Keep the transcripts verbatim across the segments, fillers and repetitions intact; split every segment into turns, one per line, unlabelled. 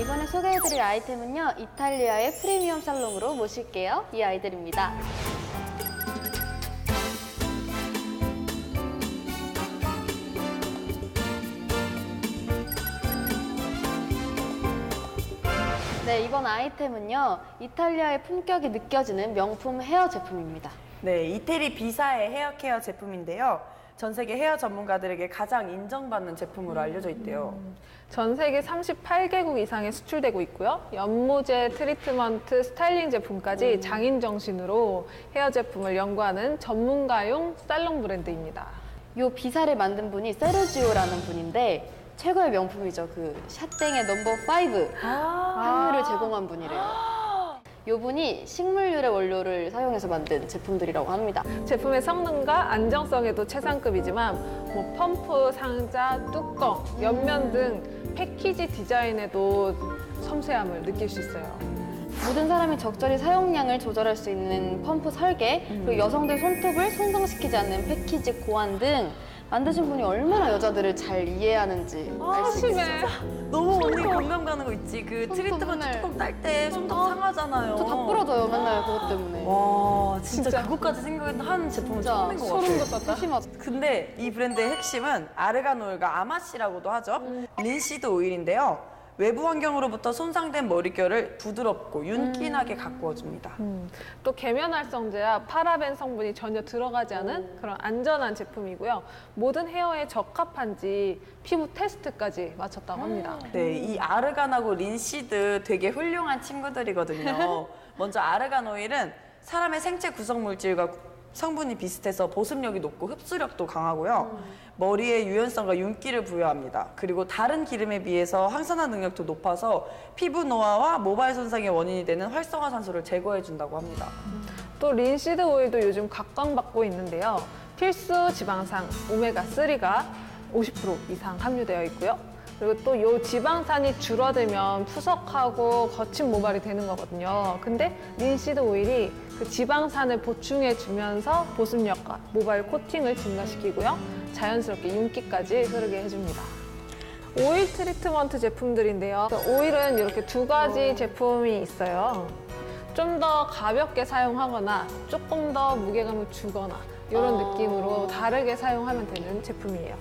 이번에 소개해드릴 아이템은요, 이탈리아의 프리미엄 살롱으로 모실게요. 이 아이들입니다. 네, 이번 아이템은요, 이탈리아의 품격이 느껴지는 명품 헤어 제품입니다.
네, 이태리 비사의 헤어 케어 제품인데요. 전 세계 헤어 전문가들에게 가장 인정받는 제품으로 알려져 있대요.
전 세계 삼십팔 개국 이상에 수출되고 있고요. 연모제, 트리트먼트, 스타일링 제품까지 장인 정신으로 헤어 제품을 연구하는 전문가용 살롱 브랜드입니다.
이 비사를 만든 분이 세르지오라는 분인데 최고의 명품이죠. 그 샤땡의 넘버 파이브 향유를 제공한 분이래요. 이 분이 식물유래 원료를 사용해서 만든 제품들이라고 합니다.
제품의 성능과 안정성에도 최상급이지만 뭐 펌프, 상자, 뚜껑, 옆면 등 패키지 디자인에도 섬세함을 느낄 수 있어요.
모든 사람이 적절히 사용량을 조절할 수 있는 펌프 설계, 그리고 여성들 손톱을 손상시키지 않는 패키지 고안 등 만드신 분이 얼마나 여자들을 잘 이해하는지 알 수 있어요.
심해.
너무 언니 공감 가는 거 있지? 그
손톱
트리트먼트
맨날-
뚜껑 딸 때 손톱
어.
상하잖아요.
저 다 부러져요, 맨날 그것 때문에.
와, 진짜,
진짜.
그것까지 생각한 제품은
진짜
처음인 것
소름
같아요.
돋았다.
심하죠.
근데 이 브랜드의 핵심은 아르간 오일과 아마씨라고도 하죠. 린시드 오일인데요. 외부 환경으로부터 손상된 머릿결을 부드럽고 윤기나게 가꾸어줍니다.
음, 또 계면활성제와 파라벤 성분이 전혀 들어가지 않은 그런 안전한 제품이고요. 모든 헤어에 적합한지 피부 테스트까지 마쳤다고 합니다.
네, 이 아르간하고 린시드 되게 훌륭한 친구들이거든요. 먼저 아르간 오일은 사람의 생체 구성 물질과 성분이 비슷해서 보습력이 높고 흡수력도 강하고요. 머리에 유연성과 윤기를 부여합니다. 그리고 다른 기름에 비해서 항산화 능력도 높아서 피부 노화와 모발 손상의 원인이 되는 활성화산소를 제거해준다고 합니다.
또 린시드 오일도 요즘 각광받고 있는데요. 필수 지방산 오메가삼가 오십 퍼센트 이상 함유되어 있고요. 그리고 또 이 지방산이 줄어들면 푸석하고 거친 모발이 되는 거거든요. 근데 린시드 오일이 그 지방산을 보충해 주면서 보습력과 모발 코팅을 증가시키고요. 자연스럽게 윤기까지 흐르게 해줍니다. 오일 트리트먼트 제품들인데요. 오일은 이렇게 두 가지 제품이 있어요. 좀 더 가볍게 사용하거나 조금 더 무게감을 주거나 이런
어.
느낌으로 다르게 사용하면 되는 제품이에요.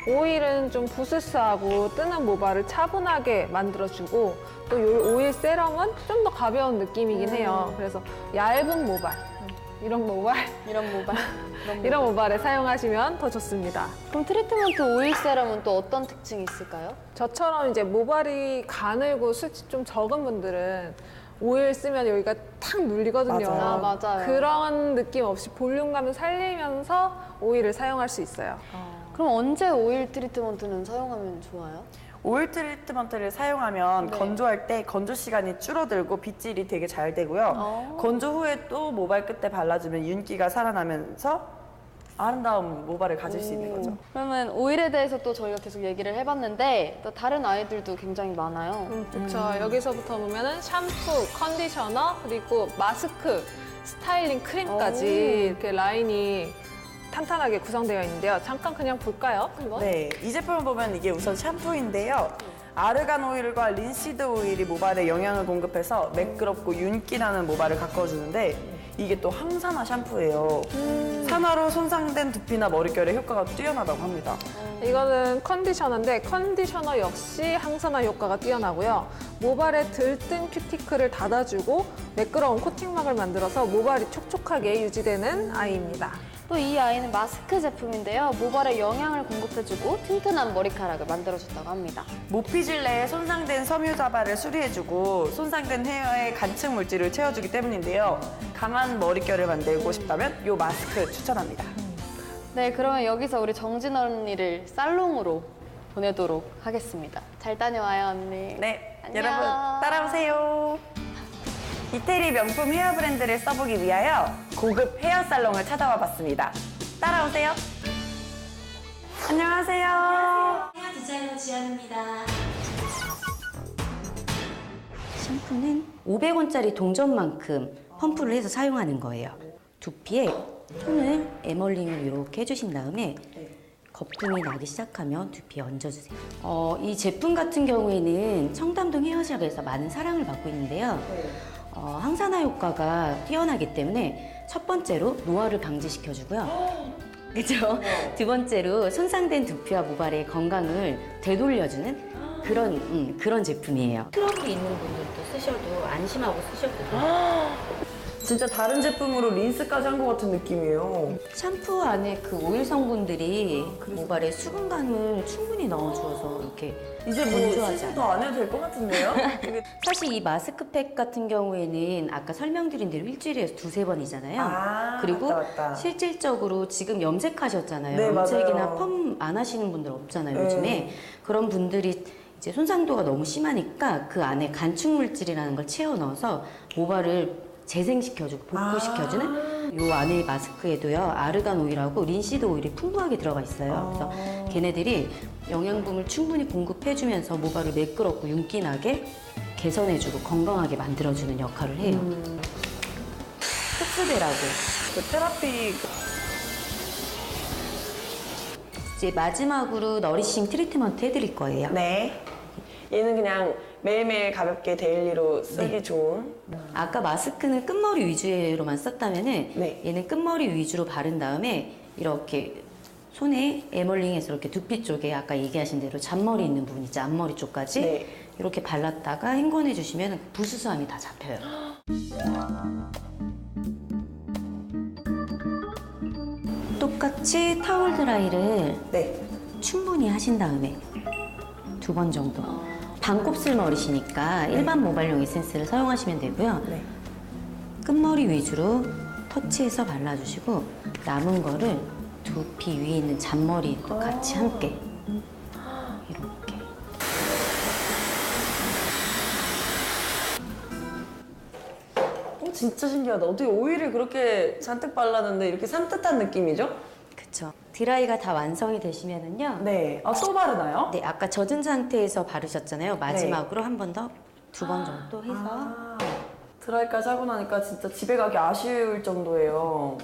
오일은 좀 부스스하고 뜨는 모발을 차분하게 만들어주고 또 이 오일 세럼은 좀 더 가벼운 느낌이긴 해요. 그래서 얇은 모발, 이런 모발,
이런 모발. 이런
이런
모발.
모발에 사용하시면 더 좋습니다.
그럼 트리트먼트 오일 세럼은 또 어떤 특징이 있을까요?
저처럼 이제 모발이 가늘고 수치 좀 적은 분들은 오일 쓰면 여기가 탁 눌리거든요.
맞아요.
아, 맞아요.
그런 느낌 없이 볼륨감을 살리면서 오일을 사용할 수 있어요.
그럼 언제 오일 트리트먼트는 사용하면 좋아요?
오일 트리트먼트를 사용하면
네.
건조할 때 건조 시간이 줄어들고 빗질이 되게 잘 되고요.
어.
건조 후에 또 모발 끝에 발라주면 윤기가 살아나면서 아름다운 모발을 가질 수 있는 거죠.
그러면 오일에 대해서 또 저희가 계속 얘기를 해봤는데 또 다른 아이들도 굉장히 많아요.
음, 그렇죠. 여기서부터 보면은 샴푸, 컨디셔너, 그리고 마스크, 스타일링 크림까지
오.
이렇게 라인이 탄탄하게 구성되어 있는데요. 잠깐 그냥 볼까요? 한번?
네, 이 제품을 보면 이게 우선 샴푸인데요. 아르간 오일과 린시드 오일이 모발에 영양을 공급해서 매끄럽고 윤기나는 모발을 가꿔주는데 이게 또 항산화 샴푸예요. 산화로 손상된 두피나 머릿결에 효과가 뛰어나다고 합니다.
이거는 컨디셔너인데 컨디셔너 역시 항산화 효과가 뛰어나고요. 모발에 들뜬 큐티클을 닫아주고 매끄러운 코팅막을 만들어서 모발이 촉촉하게 유지되는 아이입니다.
또 이 아이는 마스크 제품인데요. 모발에 영양을 공급해주고 튼튼한 머리카락을 만들어줬다고 합니다.
모피질 내에 손상된 섬유자발을 수리해주고 손상된 헤어에 간층 물질을 채워주기 때문인데요. 강한 머릿결을 만들고 싶다면 이 마스크 추천합니다.
네, 그러면 여기서 우리 정진 언니를 살롱으로 보내도록 하겠습니다. 잘 다녀와요, 언니.
네,
안녕.
여러분 따라오세요. 이태리 명품 헤어 브랜드를 써보기 위하여 고급 헤어 살롱을 찾아와 봤습니다. 따라오세요. 안녕하세요.
헤어 디자이너 지연입니다.
샴푸는 오백 원짜리 동전만큼 펌프를 해서 사용하는 거예요. 두피에 손을 에멀링을 이렇게 해주신 다음에 거품이 나기 시작하면 두피에 얹어주세요. 어, 이 제품 같은 경우에는 청담동 헤어샵에서 많은 사랑을 받고 있는데요. 어, 항산화 효과가 뛰어나기 때문에 첫 번째로 노화를 방지시켜주고요. 그죠? 두 번째로 손상된 두피와 모발의 건강을 되돌려주는 그런 음, 그런 제품이에요. 트러블 있는 분들도 쓰셔도 안심하고 쓰셔도 돼요.
진짜 다른 제품으로 린스까지 한 것 같은 느낌이에요.
샴푸 안에 그 오일 성분들이 모발에 수분감을 충분히 넣어주어서 이렇게
이제 뭐
건조하지
시술
않아요.
더 안 해도 될 것 같은데요? 이게-
사실 이 마스크팩 같은 경우에는 아까 설명드린 대로 일주일에 두세 번이잖아요.
아,
그리고
맞다, 맞다.
실질적으로 지금 염색하셨잖아요.
네,
염색이나
맞아요.
펌 안 하시는 분들 없잖아요,
네.
요즘에. 그런 분들이 이제 손상도가 너무 심하니까 그 안에 간축 물질이라는 걸 채워 넣어서 모발을 재생시켜주고 복구시켜주는 요 안에 마스크에도요 아르간 오일하고 린시드 오일이 풍부하게 들어가 있어요. 그래서 걔네들이 영양분을 충분히 공급해주면서 모발을 매끄럽고 윤기나게 개선해주고 건강하게 만들어주는 역할을 해요. 흡수대라고.
그 테라피
이제 마지막으로 너리싱 트리트먼트 해드릴 거예요.
네. 얘는 그냥 매일매일 가볍게 데일리로 쓰기
네.
좋은.
아까 마스크는 끝머리 위주로만 썼다면은
네.
얘는 끝머리 위주로 바른 다음에 이렇게 손에 에멀링해서 이렇게 두피 쪽에 아까 얘기하신 대로 잔머리 있는 부분 있죠, 앞머리 쪽까지
네.
이렇게 발랐다가 헹궈내 주시면 부수수함이 다 잡혀요. 똑같이 타월 드라이를
네.
충분히 하신 다음에 두 번 정도 반곱슬 머리시니까 일반 모발용 에센스를 사용하시면 되고요.
네.
끝머리 위주로 터치해서 발라주시고 남은 거를 두피 위에 있는 잔머리도 같이 함께 이렇게
어, 진짜 신기하다. 어떻게 오일을 그렇게 잔뜩 발랐는데 이렇게 산뜻한 느낌이죠?
그쵸. 드라이가 다 완성이 되시면은요.
네. 아, 또 바르나요?
네, 아까 젖은 상태에서 바르셨잖아요. 마지막으로 한 번 더, 두 번 정도 해서
아, 드라이까지 하고 나니까 진짜 집에 가기 아쉬울 정도예요.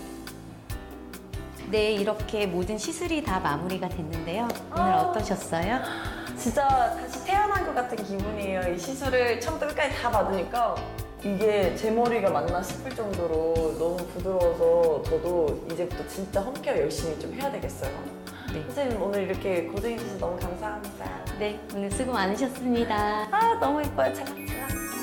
네, 이렇게 모든 시술이 다 마무리가 됐는데요. 오늘 어떠셨어요?
진짜 다시 태어난 것 같은 기분이에요. 이 시술을 처음부터 끝까지 다 받으니까 이게 제 머리가 맞나 싶을 정도로 너무 부드러워서 저도 이제부터 진짜 홈케어 열심히 좀 해야 되겠어요.
네.
선생님 오늘 이렇게 고생해주셔서 너무 감사합니다.
네, 오늘 수고 많으셨습니다.
아 너무 예뻐요. 찰랑찰랑.